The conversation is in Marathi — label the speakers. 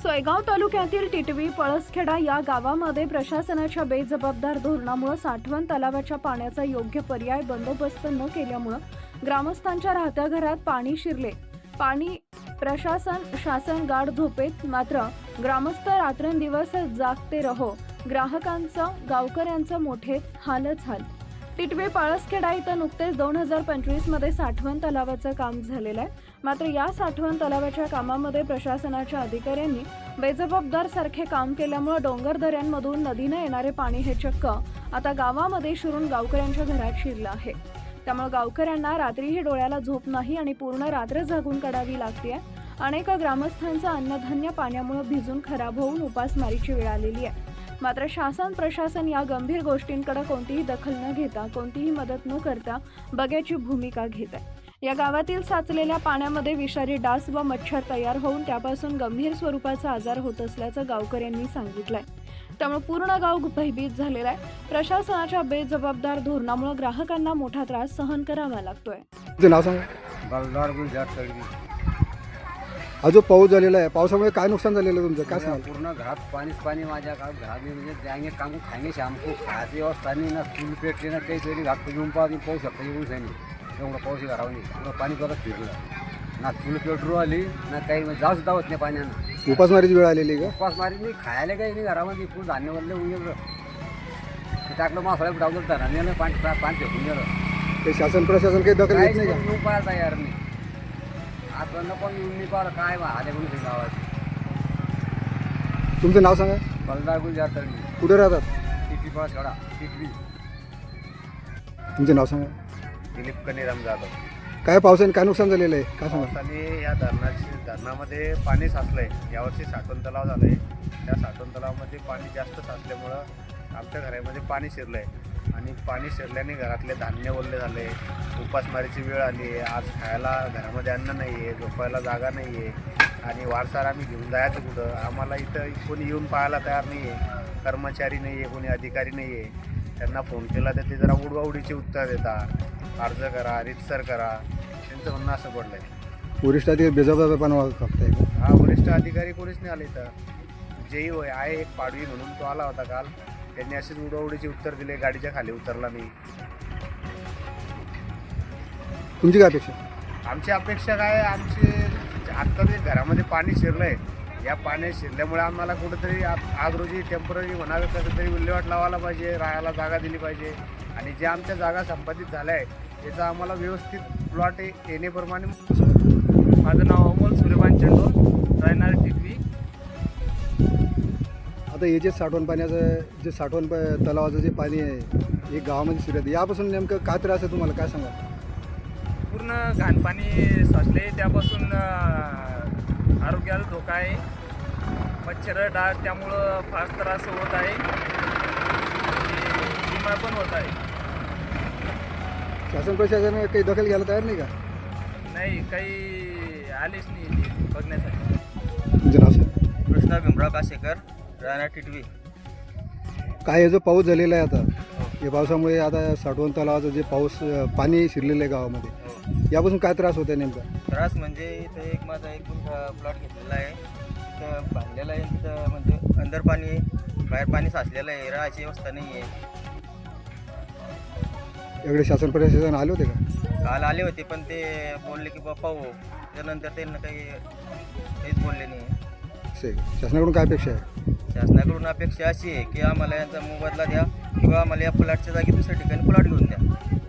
Speaker 1: सोयगाव तालुक्यातील टिटवी पळसखेडा या गावामध्ये प्रशासनाच्या बेजबाबदार धोरणामुळे साठवण तलावाच्या पाण्याचा योग्य पर्याय बंदोबस्त न केल्यामुळे ग्रामस्थांच्या राहत्या घरात पाणी शिरले। पाणी प्रशासन शासन गाढ झोपेत, मात्र ग्रामस्थ रात्रंदिवस जागते रहो। ग्राहकांचं गावकऱ्यांचं मोठेच हालच हाल। टिटवी पळसखेडा इथं नुकतेच 2025 मध्ये साठवण तलावाचं काम झालेलं आहे, मात्र या साठवण तलावाच्या कामामध्ये प्रशासनाच्या अधिकाऱ्यांनी बेजबाबदार सारखे काम केल्यामुळे डोंगर दऱ्यांमधून नदीने येणारे पाणी हे चक्क आता गावामध्ये शिरून गावकऱ्यांच्या घरात शिरलं आहे। त्यामुळे गावकऱ्यांना रात्रीही डोळ्याला झोप नाही आणि पूर्ण रात्र जागून काढावी लागते। अनेक ग्रामस्थांचं अन्नधान्य पाण्यामुळे भिजून खराब होऊन उपासमारीची वेळ आलेली आहे। मात्र शासन प्रशासन या गंभीर गोष्टींकडे कोणतीही दखल न घेता, कोणतीही मदत न करता बघ्याची भूमिका घेत आहे। या गावातील साचलेल्या पाण्यामध्ये विषारी डास व मच्छर तयार होऊन त्यापासून गंभीर स्वरूपाचा आजार होत असल्याचं गावकऱ्यांनी सांगितलंय। त्यामुळे पूर्ण गाव भयभीत झालेला आहे। प्रशासनाच्या बेजबाबदार धोरणामुळे ग्राहकांना मोठा त्रास सहन करावा लागतोय।
Speaker 2: बलदार गुलजार तळवी।
Speaker 3: आज जो पाऊस झालेला आहे, पावसामुळे काय नुकसान झालेलं आहे तुमचं? काय सांगाल?
Speaker 2: पूर्ण घरात पाणीच पाणी। माझ्या घरात म्हणजे जाएंगे काम खाएंगे शाम को, खायची व्यवस्था नाही ना, चूल पेटली ना, काही तरी घात घेऊन पाहू शकता येऊच नाही। एवढं पाऊस घरावर नाही, पूर्ण पाणी परत फिरलं ना, चूल पेटरू आली ना, काही जाऊ सुद्धा होत नाही पाण्यानं।
Speaker 3: उपासमारीची वेळ आलेली का?
Speaker 2: उपासमारी नाही, खायला काही नाही घरामध्ये, पूर्ण धान्य वरले होऊन गेलं ते टाकलं मासाला डावलं धान्यानं पाणी फेकून गेलं।
Speaker 3: ते शासन प्रशासन काही दखल घेत नाही का?
Speaker 2: येऊन पाहायला तयार नाही, आजपर्यंत पण येऊन नाही पाहिलं काय आले म्हणून गावात।
Speaker 3: तुमचं नाव सांगा।
Speaker 2: बलदार गुलजार तळवी।
Speaker 3: कुठे राहतात?
Speaker 2: टिटवी पळसखेडा टिटवी।
Speaker 3: तुमचं नाव सांगा।
Speaker 2: दिलीप कनीराम जाधव।
Speaker 3: काय पावसाने काय नुकसान झालेलं आहे? काय सांगा?
Speaker 4: पावसाने या धरणामध्ये पाणी साचलंय। यावर्षी साठवण तलाव झालंय, त्या साठवण तलावामध्ये पाणी जास्त साचल्यामुळं आमच्या घरामध्ये पाणी शिरलंय आणि पाणी शिरल्याने घरातले धान्य ओले झाले, उपासमारीची वेळ आली आहे। आज खायला घरामध्ये अन्न नाही आहे, झोपायला जागा नाही आहे आणि वारसार आम्ही घेऊन जायचं कुठं? आम्हाला इथं कोणी येऊन पाहायला तयार नाही आहे, कर्मचारी नाही आहे, कोणी अधिकारी नाही आहे। त्यांना फोन केला तर ते जरा उडवाउडीचे उत्तर देतात, अर्ज करा, रितसर करा, त्यांचं म्हणणं असं पडलं आहे।
Speaker 3: वरिष्ठ अधिकारी बेजबाबदारपणा करताय का?
Speaker 4: हा, वरिष्ठ अधिकारी कोणीच नाही आले इथं। जेही होय आहे एक पाडवी म्हणून तो आला होता काल, त्यांनी असेच उडवाउडीचे उत्तर दिले, गाडीच्या खाली उतरला मी।
Speaker 3: तुमची काय अपेक्षा?
Speaker 4: आमची अपेक्षा काय, आमची आत्ता जे घरामध्ये पाणी शिरलं आहे, या पाणी शिरल्यामुळे आम्हाला कुठंतरी आज रोजी टेम्पररी म्हणावे कसं तरी विल्हेवाट लावायला पाहिजे, राहायला जागा दिली पाहिजे आणि ज्या आमच्या जागा संपादित झाल्या आहे त्याचा आम्हाला व्यवस्थित प्लॉट येण्याप्रमाणे।
Speaker 5: माझं नाव अमोल सूर्यकांत चेंडो, राहणार टिटवी।
Speaker 3: आता हे जे साठवण पाण्याचं जे साठवण तलावाचं जे पाणी आहे हे गावामध्ये शिरत, यापासून नेमकं काय त्रास आहे तुम्हाला? काय सांगा?
Speaker 5: पूर्ण घाण पाणी साचले, त्यापासून आरोग्याला धोका आहे। मच्छर डास त्यामुळं फार त्रास होत आहे, बिमार पण होत आहे।
Speaker 3: शासन प्रशासन काही दखल घ्यायला तयार नाही का?
Speaker 5: नाही, काही आलेच नाही इथे बघण्यासाठी।
Speaker 3: तुमचं नाव सांगा।
Speaker 6: कृष्णा भीमराव कासेकर, राहणार टिटवी।
Speaker 3: काय हे जो पाऊस झालेला आहे आता, या पावसामुळे आता साठवण तलावाचं जे पाणी शिरलेलं आहे गावामध्ये, यापासून काय त्रास होत आहे नेमका?
Speaker 6: त्रास म्हणजे इथं एक माझा एक प्लॉट घेतलेला आहे, तिथं बांधलेला आहे, तिथं म्हणजे अंदर पाणी आहे, बाहेर पाणी साचलेलं आहे, राहायची व्यवस्था नाही आहे।
Speaker 3: एवढे शासन प्रशासन आले होते का?
Speaker 6: काल आले होते पण ते बोलले की बाप्पा हो, त्यानंतर त्यांना काहीच बोलले नाही।
Speaker 3: शासनाकडून काय अपेक्षा आहे?
Speaker 6: शासनाकडून अपेक्षा अशी आहे की आम्हाला यांचा मोबदला द्या किंवा आम्हाला या प्लॉटच्या जागी दुसऱ्या ठिकाणी प्लॉट घेऊन द्या।